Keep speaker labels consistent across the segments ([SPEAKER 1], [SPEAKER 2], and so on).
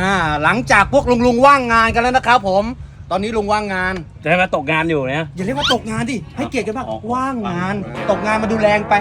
[SPEAKER 1] หลังจากพวกลุงว่างงานกันแล้วนะครับผมตอนนี้ลุงว่างงาน
[SPEAKER 2] แต่ว่าตกงานอยู่เนี่ย
[SPEAKER 1] อย่าเรียกว่าตกงานดิให้เกียรติกันบ้างว่างงานตกงานมาดูแรงไป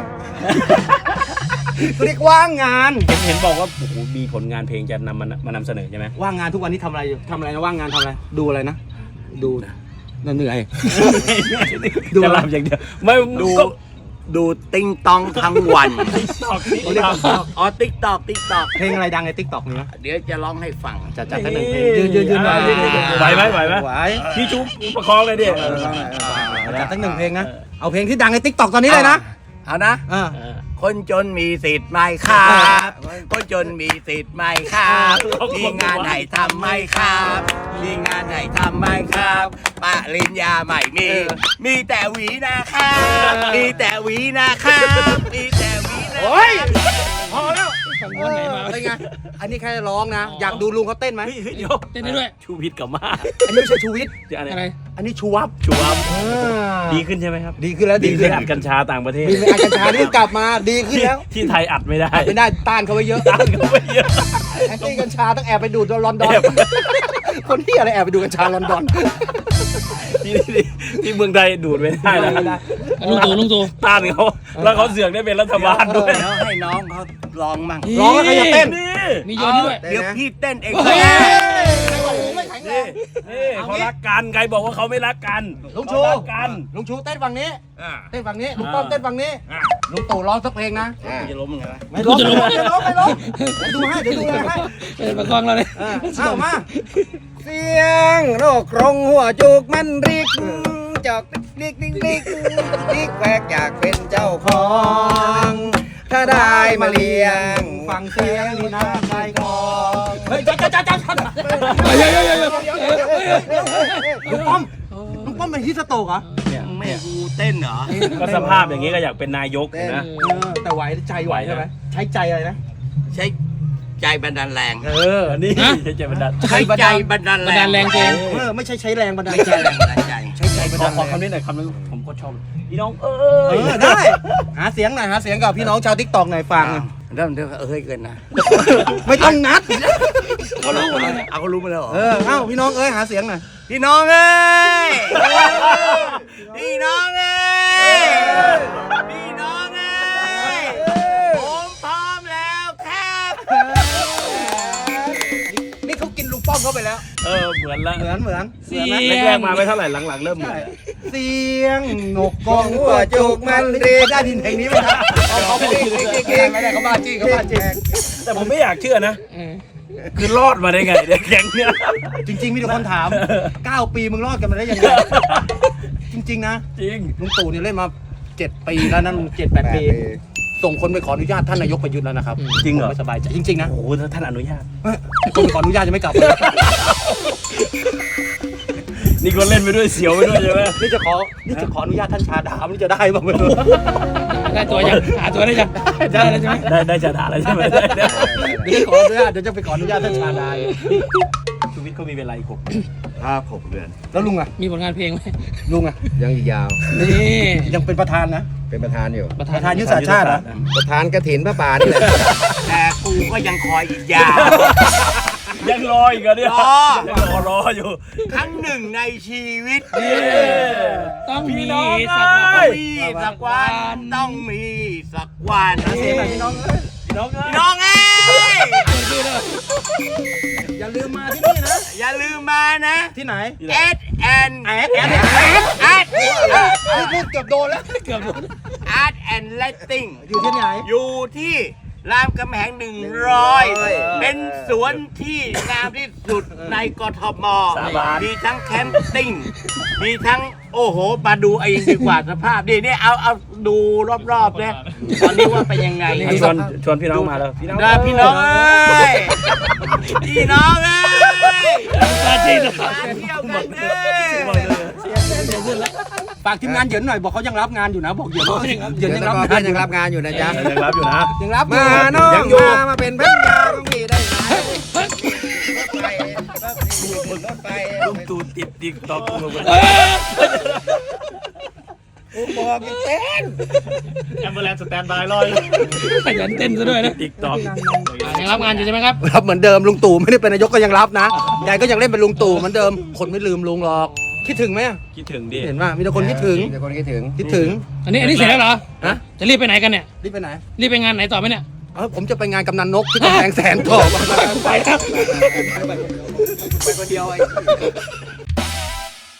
[SPEAKER 1] เรียกว่างงาน
[SPEAKER 2] เห็นบอกว่าโอ้โหมีผลงานเพลงจะมานำเสนอใช่ไหม
[SPEAKER 1] ว่างงานทุกวันนี้ทำอะไรอยู่ทำอะไรนะว่างงานทำอะไรดูอะไรนะดูเหนื่อย ดู
[SPEAKER 2] จะ
[SPEAKER 1] อะไร
[SPEAKER 2] รับอย่างเดียวไม่
[SPEAKER 3] ดูติงตองทั้งวัน
[SPEAKER 1] เรียกว่า
[SPEAKER 3] อ๋อติ๊กตอก
[SPEAKER 1] เพลงอะไรดังในทิกตอกนี่นะ
[SPEAKER 3] เดี๋ยวจะร้องให้ฟัง
[SPEAKER 1] จัดสักหนึ่งเพลงยืนหน่อย
[SPEAKER 2] ไหวไหม
[SPEAKER 1] ไหว
[SPEAKER 2] พี่จุ๊บประคองเลยดิ
[SPEAKER 1] จัดสักหนึ่งเพลงนะเอาเพลงที่ดังในทิกตอกตอนนี้เลยนะ
[SPEAKER 3] เอานะ คนจนมีสิทธิ์ไหมครับ คนจนมีสิทธิ์ไหมครับมีงานให้ทำไหมครับมีงานให้ทำไหมครับปริญญาไม่มีแต่หวีนะครับมีแต่หวีนะครับมีแต่หวีนะ
[SPEAKER 1] โอ้ยพอแล้ว
[SPEAKER 4] ฟังวนไหนมา
[SPEAKER 1] เป็นไงอันนี้แค่ร้องนะอยากดูลุงเขาเต้นไหม
[SPEAKER 2] เดี๋ยว
[SPEAKER 4] เต้นได้ด้วย
[SPEAKER 2] ชูวิทย์กลับมา
[SPEAKER 1] อันนี้ไม่ใช่ชูวิทย์
[SPEAKER 4] อะไร
[SPEAKER 1] อันนี้ชูวับ
[SPEAKER 2] ชูวับดีขึ้นใช่ไหมครับ
[SPEAKER 1] ดีขึ้นแล้ว
[SPEAKER 2] ดี
[SPEAKER 1] ดี
[SPEAKER 2] ขึ้
[SPEAKER 1] ขึ้
[SPEAKER 2] น
[SPEAKER 1] น
[SPEAKER 2] อัดกัญชาต่างประเทศ
[SPEAKER 1] มีอากัญชาที่กลับมาดีขึ้นแล้ว
[SPEAKER 2] ที่ไทยอัดไม่ได้
[SPEAKER 1] ไม่ได้ต้านเขาไว้เยอะ
[SPEAKER 2] ต้านเขาไม่เยอะ
[SPEAKER 1] แอนตี้กัญชาต้องแอบไปดูดลอนดอน คนที่อะไรแอบไปดูกัญชาลอนดอน
[SPEAKER 2] ที่เมืองไทยดูดไม่ได้นะ
[SPEAKER 4] ลุงตู่
[SPEAKER 2] ต้านเขาแล้วเขาเสือกได้เป็นรัฐบาลด้วย
[SPEAKER 3] แล้วให้น้องเขาลองมั่ง
[SPEAKER 1] ร้องแล้วใครจะเต้น
[SPEAKER 2] นี่
[SPEAKER 4] มีโยนด้วย
[SPEAKER 3] เดี๋ยวพี่เต้นเอง
[SPEAKER 1] เฮ้ย
[SPEAKER 2] นี่เขารักกันใครบอกว่าเขาไม่รักกัน
[SPEAKER 1] ลุงชู
[SPEAKER 2] เขารักกัน
[SPEAKER 1] ลุงชูเต้นฝั่งนี้
[SPEAKER 2] อ่า
[SPEAKER 1] เต้นฝั่งนี้ลุงป้อมเต้นฝั่งนี้
[SPEAKER 2] อ่า
[SPEAKER 1] ลุงตู่ร้องสักเพลงนะ
[SPEAKER 2] จะล้มยังไง
[SPEAKER 1] ไม่ร้องไม่ร้องไม่ร้องไม่ร้องเดี๋ยวดูให้เดี๋ยวดูให้
[SPEAKER 4] เป็นประกองเราเลย
[SPEAKER 1] เอามาเสียงโรคกรงหัวจุกมันริกจอกริกริกริกริกแหวกอยากเป็นเจ้าของ ถ้าได้มาเลี้ยงฟังเสียงนี่น่าใจคอเฮ้ยจ้าลุงป้อมเป็นฮิสโตกเหรอ
[SPEAKER 3] ไม่กูเต้นเหรอ
[SPEAKER 2] ก็สภาพอย่างนี้ก็อยากเป็นนายกนะ
[SPEAKER 1] แต่ไหวใจไหวใช่ไหมใช้ใจอะไรนะ
[SPEAKER 3] ใช้ใจบันดาลแรง
[SPEAKER 2] นี่ใช่บันดาล
[SPEAKER 3] ใช้ใจบันดาล
[SPEAKER 4] บันดาลแรงเอง
[SPEAKER 1] ไม่ใช่ใช้แรงบันดาล
[SPEAKER 3] ไม่
[SPEAKER 1] ใจ
[SPEAKER 3] ใช่แรงบันดาลใจ
[SPEAKER 1] ใช้ใจบัน
[SPEAKER 2] ขอ
[SPEAKER 1] ดาล
[SPEAKER 2] ขอ
[SPEAKER 1] แรง
[SPEAKER 2] คำนี้หน่อยคำนึงผมก็ชอบพี่น้อง
[SPEAKER 1] ได้หาเสียงหน่อยหาเสียงกับพี่น้องชาวทิกตอกหน่อยฟัง
[SPEAKER 3] เริ่มเกินนะ
[SPEAKER 1] ไม่ต้องนัด
[SPEAKER 3] เขารู้หมดเลยเอาเขารู้มาแล้วเหรอ
[SPEAKER 1] เอ้าพี่น้องหาเสียงหน่อย
[SPEAKER 3] พี่น้องเอ้ยพี่น้องเอ้ยพี่น้องเอ้ยผมพร้อมแล้วครับ
[SPEAKER 1] นี่เขากินลุงป้อมเข้าไปแล้ว
[SPEAKER 2] เหมือนละ
[SPEAKER 1] เหมือน
[SPEAKER 4] เสีย
[SPEAKER 2] แรกๆมาไม่เท่าไหร่หลังๆเริ่มเหมือน
[SPEAKER 1] เสียงนกกองหัวจุกมันเรียได้ดินเพลงนี้ไหมครับเขาไม่ได้เขาบ้าจี้เขาบ้าจี้
[SPEAKER 2] แต่ผมไม่อยากเชื่อนะ คือรอดมาได้ไงเนี่ยแก๊งเนี่ย
[SPEAKER 1] จริงๆมีแต่คนถาม 9 ปีมึงรอดกันมาได้ยังไงจริงๆนะ
[SPEAKER 2] จริง
[SPEAKER 1] ลุงตู่เนี่ยเล่นมา7 ปีแล้วนะลุง7-8 ปีส่งคนไปขออนุญาตท่านนายกประยุทธ์แล้วนะครับ
[SPEAKER 2] จริงเหรอ
[SPEAKER 1] ไม่สบายใจจริงๆนะ
[SPEAKER 2] โอ้โหถ้าท่านอนุญาต
[SPEAKER 1] คนไปขออนุญาตจะไม่กลับเลย
[SPEAKER 2] นี่ก็เล่นไปด้วยเสียวไปด้วยใช่ไหม
[SPEAKER 1] นี่จะขออนุญาตท่านชาดาไม่รู้จะได้บ้างไม่รู้
[SPEAKER 4] ได้ตัวยังหาตัวได้ยังได้แล้วใช่ไหม
[SPEAKER 2] ได้จะด่าอะไรใช่ไหม
[SPEAKER 1] เดี๋ยวขออนุญาตเดี๋ยวจะไปขออนุญาตท่านชาดา
[SPEAKER 2] ชีวิตเขามีเวลาอีก
[SPEAKER 3] 6 เดือน
[SPEAKER 1] แล้วลุงอะ
[SPEAKER 4] มีผลงานเพลงไหม
[SPEAKER 1] ลุงอะ
[SPEAKER 5] ยังอีกยาว
[SPEAKER 4] นี่
[SPEAKER 1] ยังเป็นประธานนะ
[SPEAKER 5] เป็นประธานอยู่
[SPEAKER 4] ประ
[SPEAKER 1] ประธา
[SPEAKER 4] ธาน น
[SPEAKER 1] ยุทธศาสตร์ชาติเหรอ
[SPEAKER 5] ประธานกฐินพระป่านี่แหละ
[SPEAKER 3] แต่กูก็ยังคอยอีกยาว
[SPEAKER 2] ยังรออีกเหรอเนี่ย
[SPEAKER 3] รอ
[SPEAKER 2] ยังรออยู่
[SPEAKER 3] ครั้งหนึ่งในชีวิต
[SPEAKER 4] ต้องมี
[SPEAKER 2] น้อง
[SPEAKER 4] สัก
[SPEAKER 2] เอ้ย
[SPEAKER 3] มีสักวันต้องมีสักวัน
[SPEAKER 1] เสียงหน่อยพี่น้อง
[SPEAKER 2] พี่น้อง
[SPEAKER 3] พี่น้องเอ้ย
[SPEAKER 1] อย่าลืมมาที่นี่นะ
[SPEAKER 3] อย่าลืมมานะ
[SPEAKER 1] ที่ไหน
[SPEAKER 3] S N
[SPEAKER 1] แอด
[SPEAKER 3] Art
[SPEAKER 1] พูดเกือบโดนแล้ว
[SPEAKER 4] เกือบหมด
[SPEAKER 3] Art and Lighting
[SPEAKER 1] อยู่ที่ไหน
[SPEAKER 3] อยู่ที่รามคำแหง100 เป็นสวนที่งามที่สุดในกทม มีทั้งแคมปิ้ง มีทั้งโอ้โห มาดูเองดีกว่าสภาพดีนี่เอาดูรอบๆเนี่ยตอนนี้ว่าเป็นยังไง
[SPEAKER 2] ชวนพี่น้องมาแล้วพี่น้อง
[SPEAKER 3] นะพี่น้องเอ้ยพี่น้องเอ้ย
[SPEAKER 4] มาจริงนะ
[SPEAKER 3] มาเที่ยวกันเอ้ย
[SPEAKER 1] ฝากทีมงานเหยินหน่อยบอกเขายังรับงานอยู่นะบอกเหยินเหยินยังรับ
[SPEAKER 5] เพื่
[SPEAKER 1] งา
[SPEAKER 5] อน น
[SPEAKER 1] อ
[SPEAKER 5] ยั
[SPEAKER 1] ยู่
[SPEAKER 5] งรับงานอยู่นะจ๊ะ
[SPEAKER 2] ยังรับอยู่นะ
[SPEAKER 1] ยังรับ
[SPEAKER 5] มาน้องมาเป็นพันยาของพี่ได้ไหมรถไฟ
[SPEAKER 2] ลุงตู่ติดติ๊กต็อกลงไป
[SPEAKER 5] บอกยังเต้น
[SPEAKER 2] แอมเบอร์แลนด์สแตนบายรอย
[SPEAKER 4] ขยันเต้นซะด้วยนะ
[SPEAKER 2] ติ๊กต็อก
[SPEAKER 4] ขยังรับงานอยู่ใช่ไหมครับ
[SPEAKER 3] รับเหมือนเดิมลุงตู่ไม่ได้เป็นนายกก็ยังรับนะยายก็ยังเล่นเป็นลุงตู่เหมือนเดิมคนไม่ลืมลุงหรอกคิดถึงไหม
[SPEAKER 2] คิดถึงดิ
[SPEAKER 3] เห็นป่ะมีแต่คนคิดถึง
[SPEAKER 1] มีแต่คนคิดถึง
[SPEAKER 3] คิดถึง
[SPEAKER 4] อันนี้เสร็จแล้วเหรอ
[SPEAKER 3] ฮะ
[SPEAKER 4] จะรีบไปไหนกันเนี่ย
[SPEAKER 3] รีบไปไหน
[SPEAKER 4] รีบไปงานไหนต่อไหมเนี่ย
[SPEAKER 3] ผมจะไปงานกำนันนกที่กำแพงแสนต่อ
[SPEAKER 4] ไปครับ
[SPEAKER 1] ไปคนเดียวไอ้